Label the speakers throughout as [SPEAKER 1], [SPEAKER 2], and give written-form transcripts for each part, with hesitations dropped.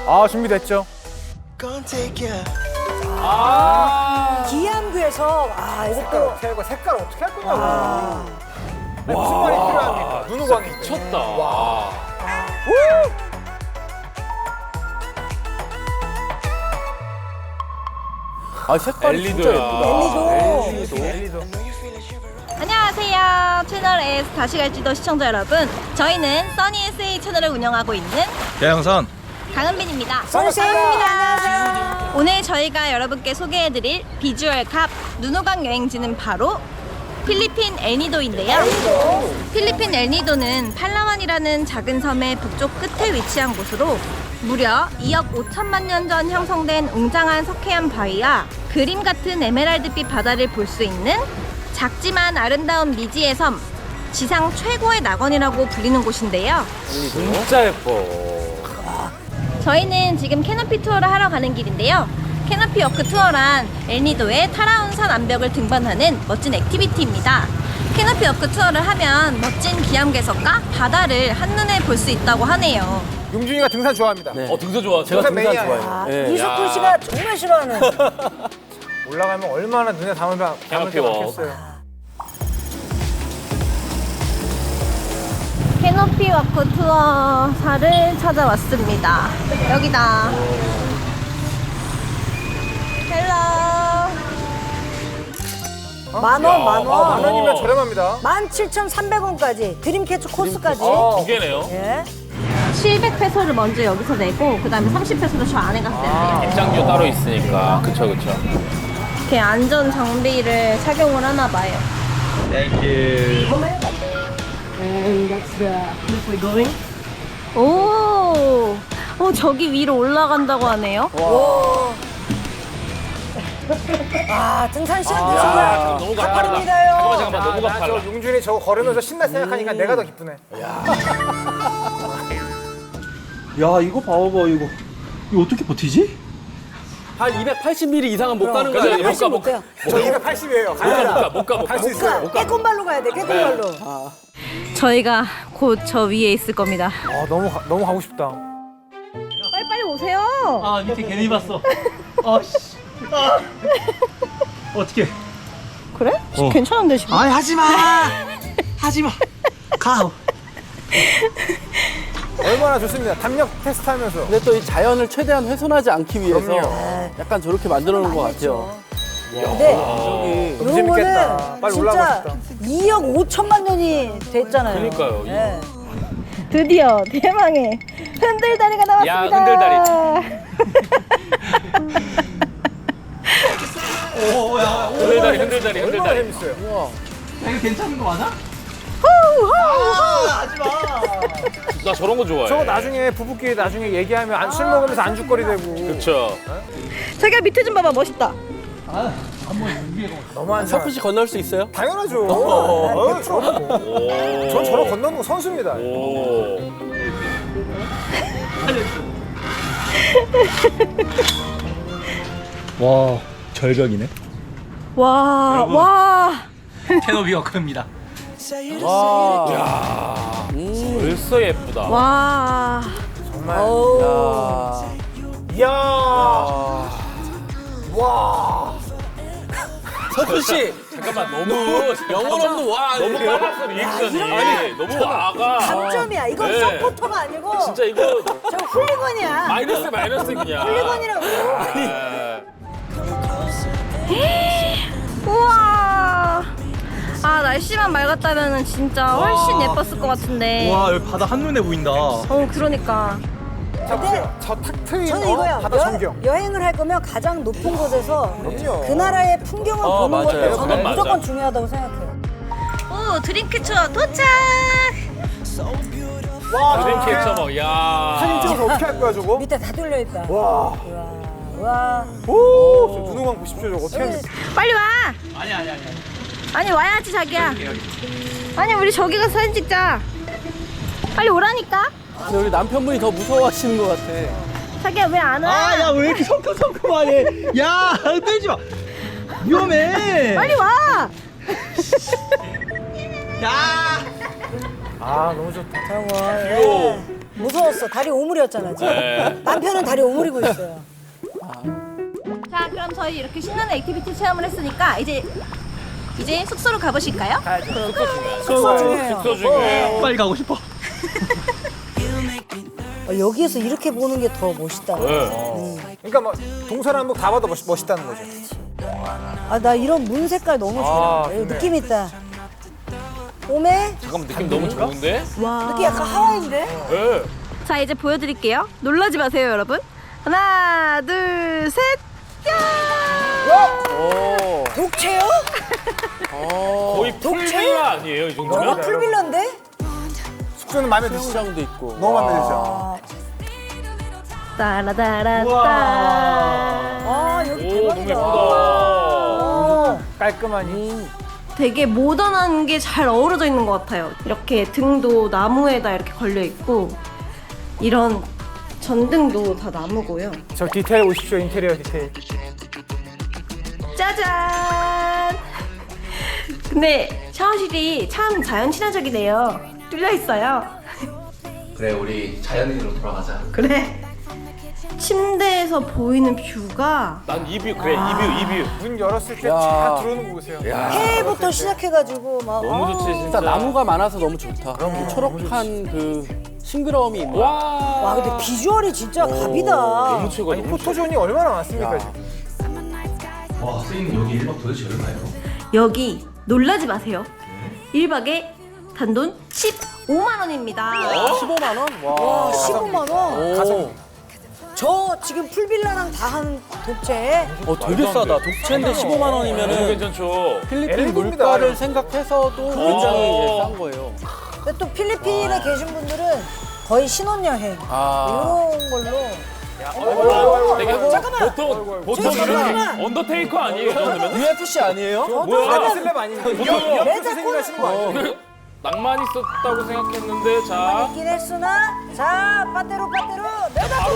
[SPEAKER 1] 아, 준비됐죠?
[SPEAKER 2] 기암구에서 이것도
[SPEAKER 1] 색깔 어떻게 할 거냐고. 아니, 무슨 말이 필요합니까? 눈호강이.
[SPEAKER 3] 미쳤다.
[SPEAKER 4] 아 색깔이 진짜
[SPEAKER 3] 엘리도야.
[SPEAKER 4] 예쁘다.
[SPEAKER 1] 엘리도.
[SPEAKER 5] 안녕하세요. 채널 S 다시 갈지도 시청자 여러분. 저희는 써니 SA 채널을 운영하고 있는
[SPEAKER 6] 대양선
[SPEAKER 5] 강은빈입니다.
[SPEAKER 2] 선생님입니다.
[SPEAKER 5] 오늘 저희가 여러분께 소개해드릴 비주얼 갑 눈호강 여행지는 바로 필리핀 엘니도인데요. 필리핀 엘니도는 팔라완이라는 작은 섬의 북쪽 끝에 위치한 곳으로 무려 2억 5천만 년 전 형성된 웅장한 석회암 바위와 그림 같은 에메랄드빛 바다를 볼 수 있는 작지만 아름다운 미지의 섬, 지상 최고의 낙원이라고 불리는 곳인데요.
[SPEAKER 3] 진짜 예뻐.
[SPEAKER 5] 저희는 지금 캐노피 투어를 하러 가는 길인데요. 캐노피 워크 투어란 엘니도의 타라운 산 암벽을 등반하는 멋진 액티비티입니다. 캐노피 워크 투어를 하면 멋진 기암괴석과 바다를 한눈에 볼 수 있다고 하네요.
[SPEAKER 1] 용준이가 등산 좋아합니다.
[SPEAKER 3] 등산 좋아.
[SPEAKER 4] 제가 등산
[SPEAKER 1] 매니아예요.
[SPEAKER 4] 좋아해요. 예.
[SPEAKER 2] 이석훈 씨가 정말 싫어하는.
[SPEAKER 1] 올라가면 얼마나 눈에 담을
[SPEAKER 3] 캐노피
[SPEAKER 1] 게
[SPEAKER 3] 워.
[SPEAKER 1] 많겠어요.
[SPEAKER 5] 캐노피 워크 투어사를 찾아왔습니다. 여기다. 헬로.
[SPEAKER 2] 만 원.
[SPEAKER 1] 만 원이면 저렴합니다.
[SPEAKER 2] 17,300원까지 드림캐쳐 코스까지.
[SPEAKER 3] 두 개네요.
[SPEAKER 2] 예.
[SPEAKER 5] 700페소를 먼저 여기서 내고 그 다음에 30페소를 저 안에 갔을 때요.
[SPEAKER 3] 입장료 따로 있으니까. 그쵸.
[SPEAKER 5] 이렇게 안전 장비를 착용을 하나 봐요. 오, 저기 위로 올라간다고 하네요.
[SPEAKER 2] 등산 시간 되시면
[SPEAKER 3] 너무
[SPEAKER 2] 가파릅니다요.
[SPEAKER 3] 잠깐만. 너무
[SPEAKER 1] 저
[SPEAKER 3] 가팔라.
[SPEAKER 1] 용준이 저거 걸으면서 신나 생각하니까 내가 더 기쁘네.
[SPEAKER 6] 야 이거 봐봐 이거 어떻게 버티지?
[SPEAKER 4] 한 280mm 이상은 못 가는 거
[SPEAKER 3] 그래,
[SPEAKER 4] 아니에요?
[SPEAKER 3] 못 가, 못
[SPEAKER 2] 못해요.
[SPEAKER 1] 저 280이에요.
[SPEAKER 3] 못 가.
[SPEAKER 1] 갈 수 있어요.
[SPEAKER 2] 깨꼼발로 가야 돼. 깨꼼발로.
[SPEAKER 5] 저희가 곧 저 위에 있을 겁니다.
[SPEAKER 1] 아, 너무 가고 싶다.
[SPEAKER 5] 빨리 오세요.
[SPEAKER 6] 아 밑에 괜히 봤어. 아씨. 아. 어떻게?
[SPEAKER 5] 그래? 괜찮은데 지금?
[SPEAKER 6] 아이 하지마. 하지마. 가.
[SPEAKER 1] 얼마나 좋습니다. 담력 테스트하면서.
[SPEAKER 4] 근데 또 이 자연을 최대한 훼손하지 않기 위해서
[SPEAKER 1] 그럼요.
[SPEAKER 4] 약간 저렇게 만들어 놓은 것 같아요.
[SPEAKER 2] 근데
[SPEAKER 4] 저기
[SPEAKER 1] 너무
[SPEAKER 2] 이런
[SPEAKER 1] 재밌겠다.
[SPEAKER 2] 거는
[SPEAKER 1] 빨리 올라가고
[SPEAKER 2] 진짜
[SPEAKER 1] 싶다.
[SPEAKER 2] 2억 5천만 년이 됐잖아요.
[SPEAKER 3] 그러니까요.
[SPEAKER 2] 예.
[SPEAKER 5] 드디어 대망의 흔들다리가 나왔습니다.
[SPEAKER 3] 야, 흔들다리. 흔들다리.
[SPEAKER 1] 얼마나 재밌어요.
[SPEAKER 6] 이거 괜찮은 거 맞아?
[SPEAKER 3] 나 저런 거 좋아해.
[SPEAKER 1] 저거 나중에 부부끼리 나중에 얘기하면 술 먹으면서 안주거리 되고.
[SPEAKER 3] 그쵸.
[SPEAKER 5] 자기야 밑에 좀 봐봐 멋있다.
[SPEAKER 1] 너무한
[SPEAKER 4] 석훈 씨 건널 수 있어요?
[SPEAKER 1] 당연하죠. 전 저런 건너는 거 선수입니다.
[SPEAKER 3] 오.
[SPEAKER 6] 와 절벽이네.
[SPEAKER 5] 와.
[SPEAKER 6] 캐노비 워크입니다.
[SPEAKER 3] 벌써 예쁘다.
[SPEAKER 5] 와.
[SPEAKER 1] 정말.
[SPEAKER 4] 야.
[SPEAKER 1] 이야. 와.
[SPEAKER 4] 석훈 씨
[SPEAKER 3] 잠깐만 너무
[SPEAKER 4] 영혼 없는 와.
[SPEAKER 3] 너무 빨랐어 리액션이. 아니 너무 와가.
[SPEAKER 2] 감점이야. 이건
[SPEAKER 3] 네.
[SPEAKER 2] 서포터가 아니고
[SPEAKER 3] 진짜 이거
[SPEAKER 2] 저 훌리건이야.
[SPEAKER 3] 마이너스 그냥.
[SPEAKER 2] 훌리건이라고.
[SPEAKER 5] 우와. 아 날씨만 맑았다면 진짜 훨씬 예뻤을 것 같은데.
[SPEAKER 6] 와 여기 바다 한눈에 보인다.
[SPEAKER 5] 그러니까.
[SPEAKER 1] 자 보세요. 저 탁 트인
[SPEAKER 2] 저는 이거요.
[SPEAKER 1] 바다 전경.
[SPEAKER 2] 여행을 할 거면 가장 높은 곳에서
[SPEAKER 1] 그럼요.
[SPEAKER 2] 그 나라의 풍경을 보는
[SPEAKER 4] 맞아요.
[SPEAKER 2] 것도 저는
[SPEAKER 3] 그건 맞아.
[SPEAKER 2] 무조건 중요하다고 생각해요.
[SPEAKER 5] 오 드림캐쳐 도착.
[SPEAKER 1] 와,
[SPEAKER 3] 드림캐쳐 뭐 야.
[SPEAKER 1] 사진 찍어서 어떻게 할 거야 저거?
[SPEAKER 2] 밑에 다 뚫려 있다.
[SPEAKER 1] 와.
[SPEAKER 2] 와.
[SPEAKER 1] 오, 저 눈호강 보십시오 저거 어떻게 하는지.
[SPEAKER 5] 빨리 와.
[SPEAKER 6] 아니.
[SPEAKER 5] 아니 와야지 자기야. 아니 우리 저기 가서 사진 찍자. 빨리 오라니까.
[SPEAKER 4] 근데 우리 남편분이 더 무서워하시는 것 같아.
[SPEAKER 5] 자기야 왜 안 와?
[SPEAKER 6] 아야 왜 이렇게 성큼성큼하네. 야 흔들지 마. 위험해.
[SPEAKER 5] 빨리 와.
[SPEAKER 6] 야.
[SPEAKER 1] 아, 너무 좋다.
[SPEAKER 2] 저거. 예. 무서웠어. 다리 오므렸잖아 지금.
[SPEAKER 3] 네.
[SPEAKER 2] 남편은 다리 오므리고 있어요.
[SPEAKER 5] 자, 그럼 저희 이렇게 신나는 액티비티 체험을 했으니까 이제 숙소로 가보실까요?
[SPEAKER 2] 숙소 중요해요.
[SPEAKER 3] 숙소 중에.
[SPEAKER 6] 빨리 가고 싶어.
[SPEAKER 2] 여기에서 이렇게 보는 게 더 멋있다.
[SPEAKER 1] 그러니까 뭐 동서남북 다 봐도 멋있다는 거죠.
[SPEAKER 2] 아, 나 이런 문 색깔 너무 좋아.
[SPEAKER 1] 좋네.
[SPEAKER 2] 느낌 있다. 오메?
[SPEAKER 3] 잠깐만 느낌 너무 좋은데?
[SPEAKER 2] 느낌 약간 하와이인데?
[SPEAKER 3] 네.
[SPEAKER 5] 자, 이제 보여드릴게요. 놀라지 마세요, 여러분. 하나, 둘, 셋.
[SPEAKER 4] 오.
[SPEAKER 2] 독채요?
[SPEAKER 3] 거의 풀빌라 아니에요 이
[SPEAKER 2] 저거
[SPEAKER 3] 정도면?
[SPEAKER 2] 풀빌라인데?
[SPEAKER 1] 숙소는 마음에 드시죠?
[SPEAKER 4] 수영장도 있고.
[SPEAKER 1] 너무 마음에 드시죠?
[SPEAKER 5] 따라따라따.
[SPEAKER 2] 아, 여기
[SPEAKER 3] 오 너무
[SPEAKER 2] 대박이다.
[SPEAKER 3] 예쁘다.
[SPEAKER 1] 깔끔하니.
[SPEAKER 5] 되게 모던한 게 잘 어우러져 있는 것 같아요. 이렇게 등도 나무에다 이렇게 걸려 있고 이런 전등도 다 나무고요.
[SPEAKER 1] 저 디테일 보십시오. 인테리어 디테일.
[SPEAKER 5] 짜잔! 근데 샤워실이 참 자연 친화적이네요. 뚫려 있어요.
[SPEAKER 7] 그래 우리 자연인으로 돌아가자.
[SPEAKER 5] 그래. 침대에서 보이는 뷰가
[SPEAKER 3] 난 이 뷰 그래 이 뷰.
[SPEAKER 1] 문 열었을 때
[SPEAKER 4] 야.
[SPEAKER 1] 쫙 들어오는 거 보세요.
[SPEAKER 2] 해부터 시작해가지고 막.
[SPEAKER 3] 너무 좋지 진짜.
[SPEAKER 4] 일단 나무가 많아서 너무 좋다. 그 초록한 그 싱그러움이 있네.
[SPEAKER 2] 와, 근데 비주얼이 진짜 갑이다.
[SPEAKER 3] 너무 최고야.
[SPEAKER 1] 아니
[SPEAKER 3] 너무
[SPEAKER 1] 포토존이 얼마나 많습니까 지금.
[SPEAKER 7] 와 선생님 여기 1박 도대체 얼마예요?
[SPEAKER 5] 여기 놀라지 마세요. 1박에 단돈 15만 원입니다.
[SPEAKER 4] 15만 원? 와.
[SPEAKER 2] 와, 15만 원.
[SPEAKER 1] 가성.
[SPEAKER 2] 저 지금 풀빌라랑 다 한 독채에
[SPEAKER 4] 되게 싸다. 독채인데 15만
[SPEAKER 3] 너무
[SPEAKER 4] 원이면은
[SPEAKER 3] 괜찮죠.
[SPEAKER 4] 필리핀
[SPEAKER 1] 엘리고입니다,
[SPEAKER 4] 물가를
[SPEAKER 1] 엘리고.
[SPEAKER 4] 생각해서도 굉장히 싼 거예요.
[SPEAKER 2] 근데 또 필리핀에 계신 분들은 거의 신혼여행
[SPEAKER 4] 아.
[SPEAKER 2] 이런 걸로
[SPEAKER 3] 되게
[SPEAKER 2] 잠깐만.
[SPEAKER 3] 보통
[SPEAKER 2] 잠깐만.
[SPEAKER 3] 이렇게 언더테이커 아니에요 이 정도면?
[SPEAKER 4] UFC 아니에요?
[SPEAKER 3] 뭐야?
[SPEAKER 1] 슬랩 아닙니까?
[SPEAKER 3] 보통
[SPEAKER 1] 옆에서 생각하시는 거 아니에요?
[SPEAKER 3] 낭만 있었다고 생각했는데 자
[SPEAKER 2] 있긴 했으나 자 빠떼로 내다
[SPEAKER 3] 바로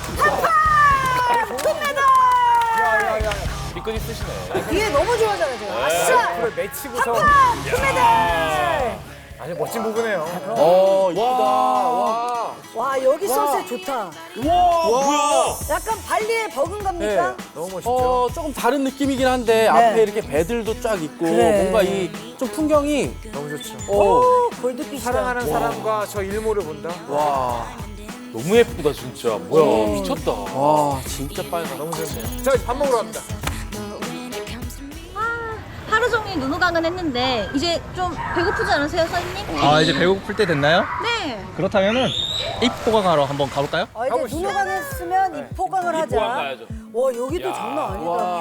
[SPEAKER 2] 한판 금메달
[SPEAKER 1] 야야야.
[SPEAKER 3] 뒤끝 있으시네.
[SPEAKER 2] 뒤에 너무 좋아하잖아요 제가 아싸
[SPEAKER 1] 그래 매치부터
[SPEAKER 2] 한판 금메달
[SPEAKER 1] 아주 멋진 부분이에요.
[SPEAKER 4] 이쁘다. 와.
[SPEAKER 2] 와 여기 선셋 좋다
[SPEAKER 3] 와 뭐야?
[SPEAKER 2] 약간 발리의 버금갑니까?
[SPEAKER 1] 너무 멋있죠.
[SPEAKER 4] 조금 다른 느낌이긴 한데 앞에 이렇게 배들도 쫙 있고
[SPEAKER 2] 그래.
[SPEAKER 4] 뭔가 이 좀 풍경이
[SPEAKER 1] 너무 좋죠.
[SPEAKER 2] 오 골드빛이다
[SPEAKER 1] 사랑하는 사람과 저 일모를 본다.
[SPEAKER 4] 와.
[SPEAKER 3] 너무 예쁘다 진짜. 뭐야 미쳤다.
[SPEAKER 4] 와, 진짜 빨갛다.
[SPEAKER 1] 너무 좋네요. 자 이제 밥 먹으러 갑니다.
[SPEAKER 5] 하루 종일 눈호강은 했는데 이제 좀 배고프지 않으세요, 선생님?
[SPEAKER 6] 아 이제 배고플 때 됐나요?
[SPEAKER 5] 네.
[SPEAKER 6] 그렇다면은 입포강하러 한번 가볼까요?
[SPEAKER 2] 아, 이제
[SPEAKER 1] 가보시죠.
[SPEAKER 2] 눈호강 했으면 입포강을 하자
[SPEAKER 3] 입포강 가야죠.
[SPEAKER 2] 와 여기도
[SPEAKER 3] 야.
[SPEAKER 2] 장난 아니다
[SPEAKER 4] 와.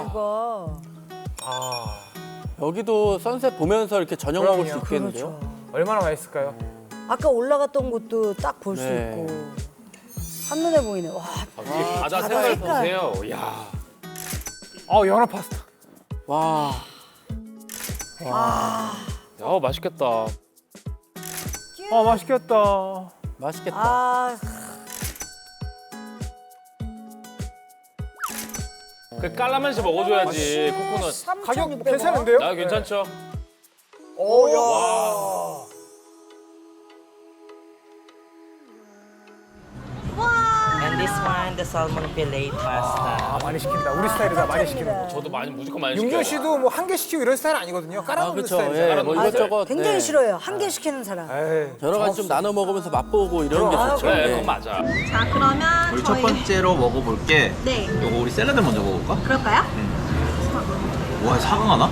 [SPEAKER 2] 뷰가
[SPEAKER 4] 여기도 선셋 보면서 이렇게 저녁 먹을 수
[SPEAKER 1] 그럼요.
[SPEAKER 4] 있겠는데요?
[SPEAKER 1] 얼마나 맛있을까요?
[SPEAKER 2] 아까 올라갔던 곳도 딱 볼 수
[SPEAKER 4] 네.
[SPEAKER 2] 있고 한눈에 보이네 와
[SPEAKER 3] 이 바다
[SPEAKER 2] 바다
[SPEAKER 3] 색깔
[SPEAKER 2] 색깔.
[SPEAKER 3] 보세요. 야.
[SPEAKER 1] 연어 파스타.
[SPEAKER 4] 와.
[SPEAKER 3] 야 맛있겠다.
[SPEAKER 1] 맛있겠다.
[SPEAKER 4] 맛있겠다.
[SPEAKER 2] 아,
[SPEAKER 3] 그 깔라만시 먹어줘야지 코코넛.
[SPEAKER 1] 가격
[SPEAKER 2] 3,600원?
[SPEAKER 1] 괜찮은데요?
[SPEAKER 3] 나 괜찮죠?
[SPEAKER 1] 오야.
[SPEAKER 8] And this one, the salmon fillet pasta.
[SPEAKER 1] 많이 시킨다. 우리 스타일이다. 많이 시키는 거.
[SPEAKER 3] 저도 무조건 많이
[SPEAKER 1] 윤경
[SPEAKER 3] 시켜요.
[SPEAKER 1] 씨도 뭐 한 개 시키고 이런 스타일 아니거든요. 깔아놓는
[SPEAKER 4] 그렇죠.
[SPEAKER 1] 스타일이잖아요.
[SPEAKER 4] 예, 뭐
[SPEAKER 3] 맞아요.
[SPEAKER 4] 이것저것
[SPEAKER 2] 굉장히
[SPEAKER 4] 네.
[SPEAKER 2] 싫어요 한 개 시키는 사람
[SPEAKER 1] 에이,
[SPEAKER 4] 여러 가지 좀 나눠 먹으면서 맛보고 이런 게 좋죠.
[SPEAKER 3] 그래
[SPEAKER 4] 예.
[SPEAKER 3] 그건 맞아.
[SPEAKER 5] 자, 그러면
[SPEAKER 7] 우리 첫 번째로 먹어볼 게
[SPEAKER 5] 네.
[SPEAKER 7] 요거 우리 샐러드 먼저 먹어볼까?
[SPEAKER 5] 그럴까요?
[SPEAKER 7] 와 사과가 나?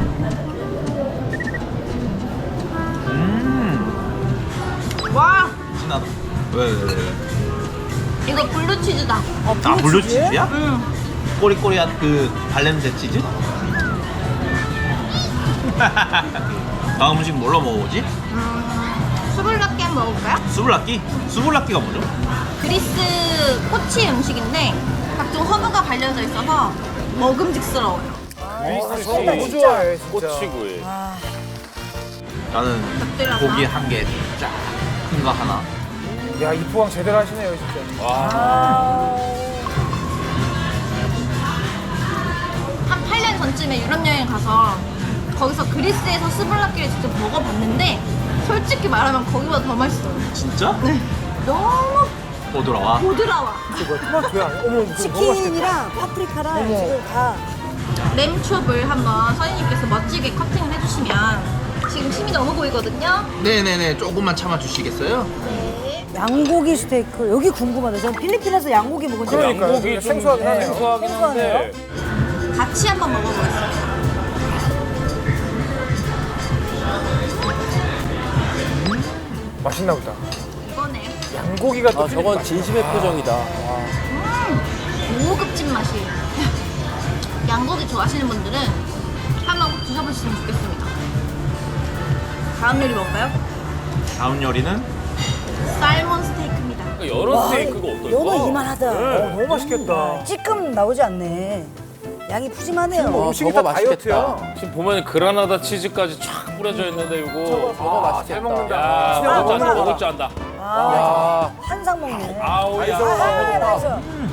[SPEAKER 5] 와,
[SPEAKER 7] 진하다. 왜?
[SPEAKER 5] 이거 블루치즈다.
[SPEAKER 7] 아 블루치즈야? 꼬리꼬리한 그 발냄새 치즈? 다음 음식 뭘로 먹어보지?
[SPEAKER 5] 수블라끼 한번 먹어볼까요?
[SPEAKER 7] 수블라끼? 수블라끼가 뭐죠?
[SPEAKER 5] 그리스 꼬치 음식인데 각종 허브가 발려져 있어서 먹음직스러워요.
[SPEAKER 1] 저 너무 좋아해 진짜.
[SPEAKER 3] 꼬치구이.
[SPEAKER 7] 나는
[SPEAKER 5] 곁들여서.
[SPEAKER 7] 고기 한 개 쫙 큰 거 하나.
[SPEAKER 1] 야 이포강 제대로 하시네요 진짜.
[SPEAKER 5] 한 8년 전쯤에 유럽 여행 가서 거기서 그리스에서 스블라끼를 직접 먹어봤는데 솔직히 말하면 거기보다 더 맛있어요.
[SPEAKER 7] 진짜?
[SPEAKER 5] 네. 너무
[SPEAKER 7] 보드라와.
[SPEAKER 5] 부드러워.
[SPEAKER 1] 토마토야. 어머, 너무 맛있겠다.
[SPEAKER 2] 치킨이랑 파프리카랑 지금 다
[SPEAKER 5] 램춥을 한번 선생님께서 멋지게 커팅을 해주시면 지금 침이 너무 보이거든요.
[SPEAKER 7] 네네네, 조금만 참아주시겠어요?
[SPEAKER 2] 양고기 스테이크. 여기 궁금하다. 전 필리핀에서 양고기 먹은 적
[SPEAKER 1] 그러니까요.
[SPEAKER 3] 양고기 좀
[SPEAKER 1] 생소하긴 하네요.
[SPEAKER 3] 생소하긴 한데.
[SPEAKER 5] 같이 한번 먹어보겠습니다.
[SPEAKER 1] 맛있나 보다.
[SPEAKER 5] 이거네.
[SPEAKER 1] 양고기가 또
[SPEAKER 4] 아, 저건 진심의 표정이다.
[SPEAKER 5] 고급진 맛이에요. 양고기 좋아하시는 분들은 한번 꼭 드셔보시면 좋겠습니다. 다음 요리 뭘까요?
[SPEAKER 7] 다음 요리는
[SPEAKER 5] 살몬 스테이크입니다.
[SPEAKER 3] 그러니까 여러 스테이크가 어떨까?
[SPEAKER 2] 요거 이만하다.
[SPEAKER 1] 너무 맛있겠다.
[SPEAKER 2] 찌끔 나오지 않네. 양이 푸짐하네요.
[SPEAKER 1] 음식이
[SPEAKER 4] 저거
[SPEAKER 1] 다
[SPEAKER 4] 맛있겠다.
[SPEAKER 1] 다이어트야.
[SPEAKER 3] 지금 보면 그라나다 치즈까지 쫙 뿌려져 있는데 이거.
[SPEAKER 4] 저거 맛있겠다.
[SPEAKER 1] 잘 먹는다.
[SPEAKER 3] 야,
[SPEAKER 1] 그냥
[SPEAKER 3] 먹을 줄 안다,
[SPEAKER 1] 먹는
[SPEAKER 3] 먹을
[SPEAKER 1] 거다.
[SPEAKER 3] 줄 안다.
[SPEAKER 2] 아, 한상 먹네.
[SPEAKER 3] 아우, 야.
[SPEAKER 2] 아, 나이스.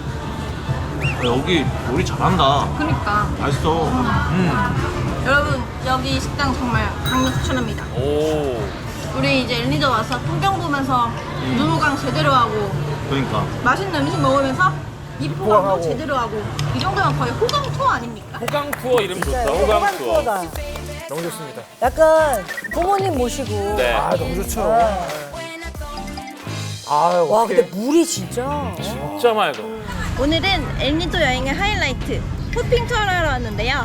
[SPEAKER 7] 여기 요리 잘한다.
[SPEAKER 5] 그러니까
[SPEAKER 7] 맛있어.
[SPEAKER 5] 여러분 여기 식당 정말 강력 추천합니다.
[SPEAKER 3] 오.
[SPEAKER 5] 우리 이제 엘니도 와서 풍경 보면서 눈호강 제대로 하고
[SPEAKER 7] 그러니까.
[SPEAKER 5] 맛있는 음식 먹으면서 입호강도
[SPEAKER 1] 입호강하고.
[SPEAKER 5] 제대로 하고 이 정도면 거의 호강 투어 아닙니까?
[SPEAKER 3] 호강 투어 이름 좋다.
[SPEAKER 2] 호강
[SPEAKER 3] 호강 투어.
[SPEAKER 2] 투어다.
[SPEAKER 1] 너무 좋습니다.
[SPEAKER 2] 약간 부모님 모시고.
[SPEAKER 3] 네.
[SPEAKER 1] 아, 너무 좋죠. 아,
[SPEAKER 2] 와,
[SPEAKER 1] 어떡해.
[SPEAKER 2] 근데 물이 진짜.
[SPEAKER 3] 진짜 맑아.
[SPEAKER 5] 오늘은 엘니도 여행의 하이라이트 호핑 투어를 하러 왔는데요.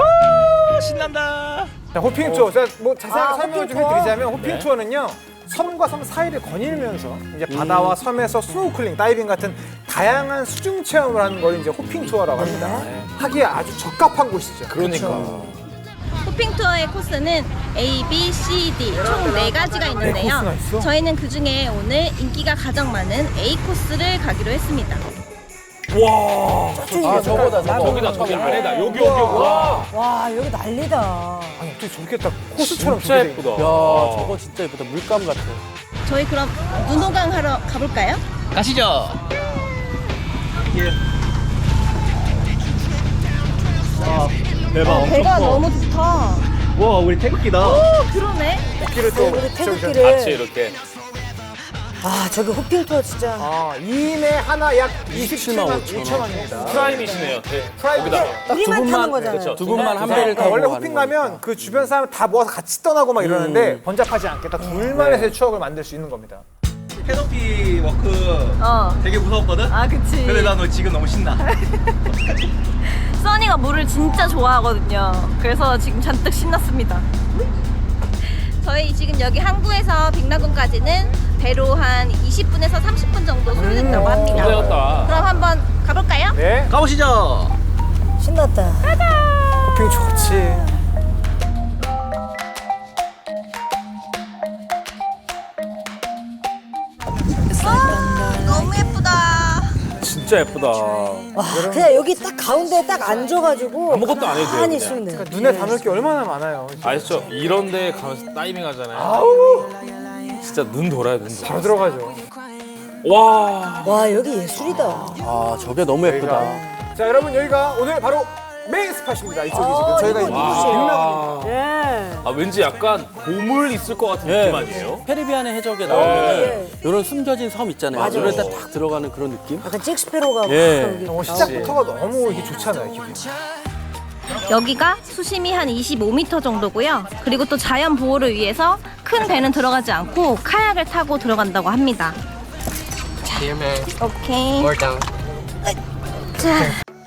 [SPEAKER 1] 자, 호핑 투어. 제가 뭐 자세하게
[SPEAKER 2] 아,
[SPEAKER 1] 설명을
[SPEAKER 2] 호핑
[SPEAKER 1] 좀
[SPEAKER 2] 투어?
[SPEAKER 1] 해드리자면 호핑
[SPEAKER 3] 네.
[SPEAKER 1] 투어는요. 섬과 섬 사이를 거닐면서 이제 바다와 섬에서 스노클링, 다이빙 같은 다양한 수중 체험을 하는 걸 이제 호핑 투어라고 합니다. 하기에 아주 적합한 곳이죠.
[SPEAKER 3] 그러니까.
[SPEAKER 5] 호핑 투어의 코스는 A, B, C, D 총 4가지가 있는데요.
[SPEAKER 1] 코스나 있어?
[SPEAKER 5] 저희는 그중에 오늘 인기가 가장 많은 A 코스를 가기로 했습니다.
[SPEAKER 4] 아, 저거다, 저거.
[SPEAKER 3] 저기다, 저기 안에다. 여기. 와.
[SPEAKER 2] 와, 여기 난리다.
[SPEAKER 1] 아니, 어떻게 저렇게 딱 코스처럼
[SPEAKER 3] 진짜
[SPEAKER 1] 저렇게 돼
[SPEAKER 3] 예쁘다.
[SPEAKER 4] 야, 저거 진짜 예쁘다. 물감 같아.
[SPEAKER 5] 저희 그럼 눈호강 하러 가볼까요?
[SPEAKER 7] 가시죠. 대박.
[SPEAKER 5] 배가 너무 좋다.
[SPEAKER 7] 와, 우리 태극기다.
[SPEAKER 5] 그러네.
[SPEAKER 1] 있기를 또
[SPEAKER 2] 우리
[SPEAKER 3] 같이
[SPEAKER 2] 태극기를.
[SPEAKER 3] 이렇게.
[SPEAKER 2] 아, 저기 호핑 투어 진짜.
[SPEAKER 1] 아, 2인에 하나 약 27만
[SPEAKER 4] 5천
[SPEAKER 1] 5천 원입니다.
[SPEAKER 3] 프라임이시네요.
[SPEAKER 1] 프라이빗.
[SPEAKER 3] 거기다가.
[SPEAKER 2] 우리만 타는 거잖아요.
[SPEAKER 3] 그렇죠.
[SPEAKER 4] 두 분만 한 배를 타고
[SPEAKER 1] 원래
[SPEAKER 4] 가는
[SPEAKER 1] 호핑
[SPEAKER 4] 거니까.
[SPEAKER 1] 가면 그 주변 사람 다 모아서 같이 떠나고 막 이러는데 번잡하지 않게 딱 둘만의 추억을 만들 수 있는 겁니다.
[SPEAKER 7] 캐노피 워크 되게 무서웠거든?
[SPEAKER 5] 아, 그치.
[SPEAKER 7] 근데 나 너 지금 너무 신나.
[SPEAKER 5] 써니가 물을 진짜 좋아하거든요. 그래서 지금 잔뜩 신났습니다. 저희 지금 여기 항구에서 빅라군까지는 배로 한 20분에서 30분 정도 소요된다고 합니다.
[SPEAKER 3] 고생했다.
[SPEAKER 5] 그럼 한번 가볼까요?
[SPEAKER 1] 네,
[SPEAKER 7] 가보시죠.
[SPEAKER 2] 신났다.
[SPEAKER 1] 호핑 좋지.
[SPEAKER 5] 너무 예쁘다.
[SPEAKER 3] 진짜 예쁘다.
[SPEAKER 2] 와, 그냥 여기 딱 가운데에 딱 앉아가지고.
[SPEAKER 3] 아무것도 안 해도 돼요,
[SPEAKER 2] 가만히
[SPEAKER 3] 그냥.
[SPEAKER 2] 있으면 돼요.
[SPEAKER 1] 눈에 담을 게 얼마나 많아요.
[SPEAKER 3] 아시죠? 이런 데 가면서 다이빙 하잖아요. 진짜 눈 돌아요, 눈 돌아.
[SPEAKER 1] 바로 들어가죠.
[SPEAKER 3] 와.
[SPEAKER 2] 와, 여기 예술이다.
[SPEAKER 4] 아, 저게 너무 예쁘다.
[SPEAKER 1] 자, 여러분 여기가 오늘 바로 메인 스팟입니다. 이쪽이 지금 저희가
[SPEAKER 2] 이거
[SPEAKER 1] 있는
[SPEAKER 3] 와.
[SPEAKER 1] 빅라군입니다.
[SPEAKER 2] 예.
[SPEAKER 3] 아, 왠지 약간 보물 있을 것 같은
[SPEAKER 4] 예.
[SPEAKER 3] 느낌 아니에요?
[SPEAKER 4] 페리비안의 해적에 나오면
[SPEAKER 2] 예.
[SPEAKER 4] 이런 숨겨진 섬 있잖아요.
[SPEAKER 2] 맞아.
[SPEAKER 4] 이런 데 딱 들어가는 그런 느낌?
[SPEAKER 2] 약간 잭스페로가
[SPEAKER 4] 예.
[SPEAKER 2] 여기
[SPEAKER 1] 시작부터가 너무 이게 좋잖아요, 기분이.
[SPEAKER 5] 여기가 수심이 한 25m 정도고요. 그리고 또 자연 보호를 위해서 큰 배는 들어가지 않고 카약을 타고 들어간다고 합니다. 오케이. 자.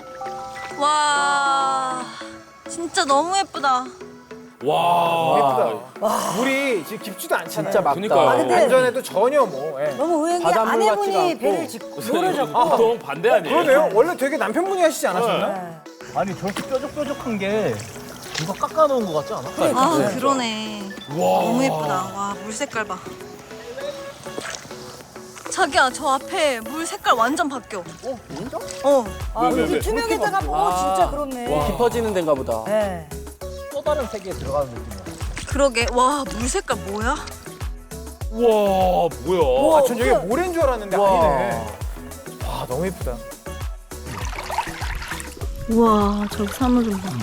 [SPEAKER 5] 와, 진짜 너무 예쁘다.
[SPEAKER 3] 와.
[SPEAKER 1] 예쁘다. 물이 지금 깊지도 않잖아요.
[SPEAKER 4] 진짜 맑다.
[SPEAKER 3] 그러니까요.
[SPEAKER 2] 아, 근데
[SPEAKER 1] 안전에도 전혀 뭐. 예.
[SPEAKER 2] 너무 의외인 게
[SPEAKER 4] 바닷물 같지가
[SPEAKER 2] 아내분이
[SPEAKER 4] 않고.
[SPEAKER 2] 배를 짚고 노를 잡고.
[SPEAKER 3] 보통 반대 아니에요?
[SPEAKER 1] 그러네요. 원래 되게 남편분이 하시지 않았었나?
[SPEAKER 2] 네.
[SPEAKER 7] 아니, 저렇게 뾰족뾰족한 게 누가 깎아놓은 것 같지 않아?
[SPEAKER 5] 아, 그러네. 너무 예쁘다. 와, 물 색깔 봐. 자기야, 저 앞에 물 색깔 완전 바뀌어.
[SPEAKER 4] 진짜?
[SPEAKER 2] 아,
[SPEAKER 3] 왜?
[SPEAKER 2] 여기 투명에다가 진짜 그렇네.
[SPEAKER 4] 깊어지는 데인가 보다.
[SPEAKER 2] 네.
[SPEAKER 7] 또 다른 세계에 들어가는 느낌이야.
[SPEAKER 5] 그러게. 와, 물 색깔 뭐야?
[SPEAKER 3] 우와, 뭐야.
[SPEAKER 1] 아, 전 여기 모래인 줄 알았는데 아니네. 와, 너무 예쁘다.
[SPEAKER 5] 우와, 저 산호 좀 봐.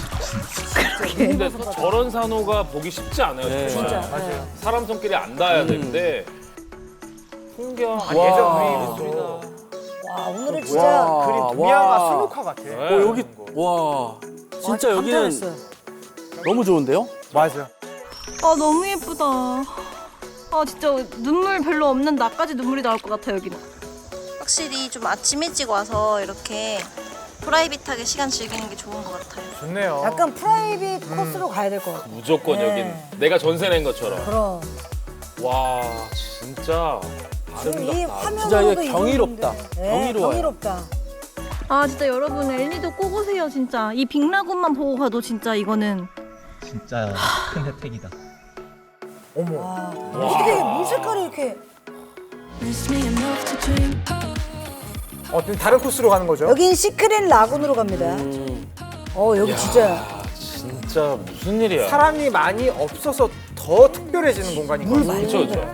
[SPEAKER 3] 근데 저런 산호가 보기 쉽지 않아요.
[SPEAKER 4] 네.
[SPEAKER 3] 정말.
[SPEAKER 2] 진짜.
[SPEAKER 1] 맞아요.
[SPEAKER 3] 사람 손길이 안 닿아야 되는데 풍경.
[SPEAKER 1] 아니, 예전 그림도
[SPEAKER 2] 와 오늘은 진짜
[SPEAKER 4] 와,
[SPEAKER 1] 그림 동양화
[SPEAKER 4] 와.
[SPEAKER 1] 수묵화 같아.
[SPEAKER 4] 여기 와 진짜 여기는
[SPEAKER 2] 감탄했어요.
[SPEAKER 4] 너무 좋은데요?
[SPEAKER 1] 맞아.
[SPEAKER 5] 아 너무 예쁘다. 아 진짜 눈물 별로 없는 나까지 눈물이 나올 것 같아 여기는. 확실히 좀 아침 일찍 와서 이렇게 프라이빗하게 시간 즐기는 게 좋은 것 같아요.
[SPEAKER 1] 좋네요.
[SPEAKER 2] 약간 프라이빗 코스로 가야 될 것 같아.
[SPEAKER 3] 무조건
[SPEAKER 2] 네.
[SPEAKER 3] 여긴 내가 전세 낸 것처럼.
[SPEAKER 2] 그럼
[SPEAKER 3] 와 진짜
[SPEAKER 2] 지금 이
[SPEAKER 3] 아름답다.
[SPEAKER 4] 진짜
[SPEAKER 2] 화면으로도
[SPEAKER 4] 이게 경이롭다.
[SPEAKER 2] 네,
[SPEAKER 4] 경이로워요.
[SPEAKER 2] 경이롭다.
[SPEAKER 5] 아 진짜 여러분 엘니도 꼭 오세요 진짜. 이 빅라군만 보고 가도 진짜 이거는
[SPEAKER 7] 진짜 큰 혜택이다.
[SPEAKER 1] 어머.
[SPEAKER 2] 와 어떻게 물 색깔이 이렇게
[SPEAKER 1] 다른 코스로 가는 거죠?
[SPEAKER 2] 여긴 시크릿 라군으로 갑니다. 여기 진짜
[SPEAKER 3] 진짜 무슨 일이야.
[SPEAKER 1] 사람이 많이 없어서 더 특별해지는 공간인 것 같아요.
[SPEAKER 3] 그쵸 그쵸.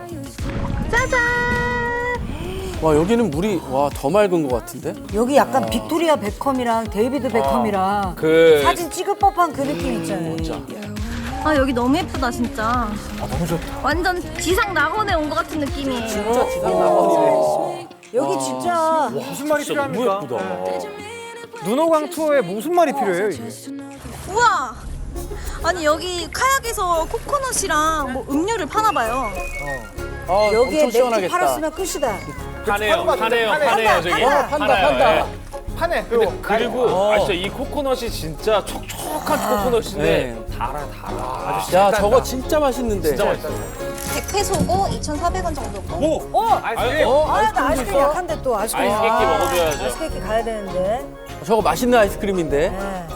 [SPEAKER 4] 와 여기는 물이 와 더 맑은 것 같은데?
[SPEAKER 2] 여기 약간 빅토리아 베컴이랑 데이비드 베컴이랑
[SPEAKER 3] 그
[SPEAKER 2] 사진 찍을 법한 그 느낌 있잖아요.
[SPEAKER 5] 아 여기 너무 예쁘다 진짜.
[SPEAKER 1] 너무 좋다.
[SPEAKER 5] 완전 지상 낙원에 온 것 같은 느낌이에요.
[SPEAKER 4] 진짜 지상 낙원이네.
[SPEAKER 2] 여기 진짜
[SPEAKER 1] 무슨 말이
[SPEAKER 3] 진짜 너무
[SPEAKER 1] 필요합니까?
[SPEAKER 3] 예쁘다.
[SPEAKER 1] 눈호강 투어에 무슨 말이 필요해요, 이게?
[SPEAKER 5] 우와. 아니 여기 카약에서 코코넛이랑 뭐 음료를 파나 봐요.
[SPEAKER 4] 아
[SPEAKER 2] 여기에
[SPEAKER 4] 엄청
[SPEAKER 2] 맥주
[SPEAKER 4] 시원하겠다.
[SPEAKER 2] 팔았으면 끝이다.
[SPEAKER 3] 파네요 파네요
[SPEAKER 1] 파네.
[SPEAKER 3] 파네요 저기.
[SPEAKER 4] 판다
[SPEAKER 3] 팔아요,
[SPEAKER 4] 판다.
[SPEAKER 3] 예.
[SPEAKER 1] 파네.
[SPEAKER 3] 그리고 아 진짜 이 코코넛이 진짜 촉촉한 코코넛인데
[SPEAKER 4] 네.
[SPEAKER 3] 달아.
[SPEAKER 4] 야 저거 진짜 맛있는데.
[SPEAKER 3] 진짜 맛있어.
[SPEAKER 5] 100페소고 2,400원 정도고.
[SPEAKER 1] 아이스크림.
[SPEAKER 2] 나 아이스크림 약한데 또 아이스크림.
[SPEAKER 3] 아이스 케이크 먹어줘야죠.
[SPEAKER 2] 아이스크림 가야 되는데.
[SPEAKER 4] 저거 맛있는 아이스크림인데.
[SPEAKER 2] 네.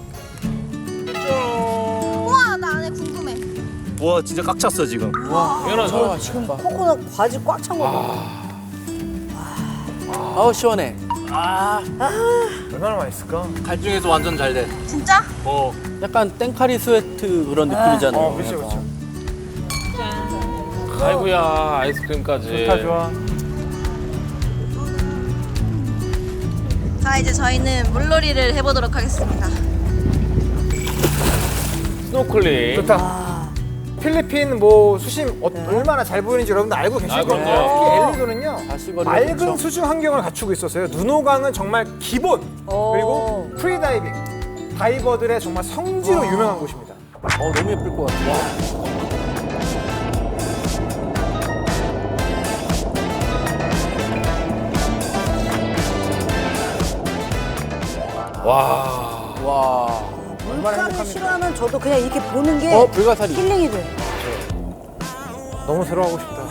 [SPEAKER 5] 우와 나 안에 궁금해.
[SPEAKER 7] 와 진짜 꽉 찼어 지금.
[SPEAKER 4] 저거
[SPEAKER 3] 당연하죠.
[SPEAKER 4] 맛있겠다.
[SPEAKER 2] 코코넛 과즙 꽉 찬 거고.
[SPEAKER 4] 아우 시원해.
[SPEAKER 1] 얼마나 맛있을까?
[SPEAKER 7] 갈 중에서 완전 잘 돼.
[SPEAKER 5] 진짜?
[SPEAKER 4] 약간 땡카리 스웨트 그런 느낌이잖아요.
[SPEAKER 1] 그렇죠, 그렇죠.
[SPEAKER 3] 아이고야 아이스크림까지.
[SPEAKER 1] 좋다, 좋아.
[SPEAKER 5] 자 이제 저희는 물놀이를 해보도록 하겠습니다.
[SPEAKER 3] 스노클링.
[SPEAKER 1] 좋다. 필리핀 뭐 수심 얼마나 잘 보이는지 여러분들 알고 계실
[SPEAKER 3] 아,
[SPEAKER 1] 거예요.
[SPEAKER 3] 그럼요.
[SPEAKER 1] 특히 엘리도는요
[SPEAKER 4] 가시거리가
[SPEAKER 1] 맑은
[SPEAKER 4] 좋죠.
[SPEAKER 1] 수중 환경을 갖추고 있었어요. 눈호강은 정말 기본 그리고 프리다이빙 다이버들의 정말 성지로 유명한 곳입니다.
[SPEAKER 4] 너무 예쁠 것 같아.
[SPEAKER 3] 와.
[SPEAKER 4] 와.
[SPEAKER 2] 물가를 싫어하면 저도 그냥 이렇게 보는 게
[SPEAKER 4] 불가사리.
[SPEAKER 2] 힐링이 돼.
[SPEAKER 1] 너무 들어가고 싶다.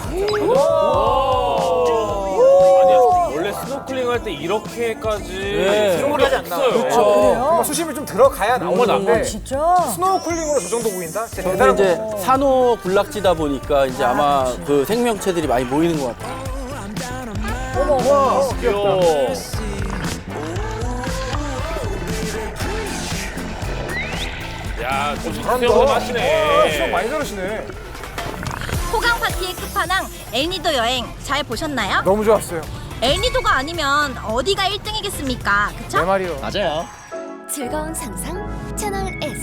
[SPEAKER 3] 아니 원래 스노클링 할 때 이렇게까지
[SPEAKER 4] 네.
[SPEAKER 3] 스노클이 없어요.
[SPEAKER 4] 그렇죠.
[SPEAKER 1] 정말 수심을 좀 들어가야 나오는 건데
[SPEAKER 2] 진짜?
[SPEAKER 1] 스노우쿨링으로 저 정도 보인다? 진짜
[SPEAKER 4] 저는
[SPEAKER 1] 대단한
[SPEAKER 4] 이제
[SPEAKER 1] 거.
[SPEAKER 4] 산호 군락지다 보니까 이제 아마 그 생명체들이 많이 모이는 것 같아요.
[SPEAKER 1] 우와,
[SPEAKER 3] 귀여워. 야, 좀 수영을
[SPEAKER 1] 수영
[SPEAKER 3] 하시네.
[SPEAKER 1] 많이 잘하시네.
[SPEAKER 5] 호강 파티의 끝판왕 엘니도 여행 잘 보셨나요?
[SPEAKER 1] 너무 좋았어요.
[SPEAKER 5] 엘니도가 아니면 어디가 1등이겠습니까?
[SPEAKER 1] 내
[SPEAKER 5] 그쵸?
[SPEAKER 1] 말이요.
[SPEAKER 7] 맞아요.
[SPEAKER 9] 즐거운 상상 채널 S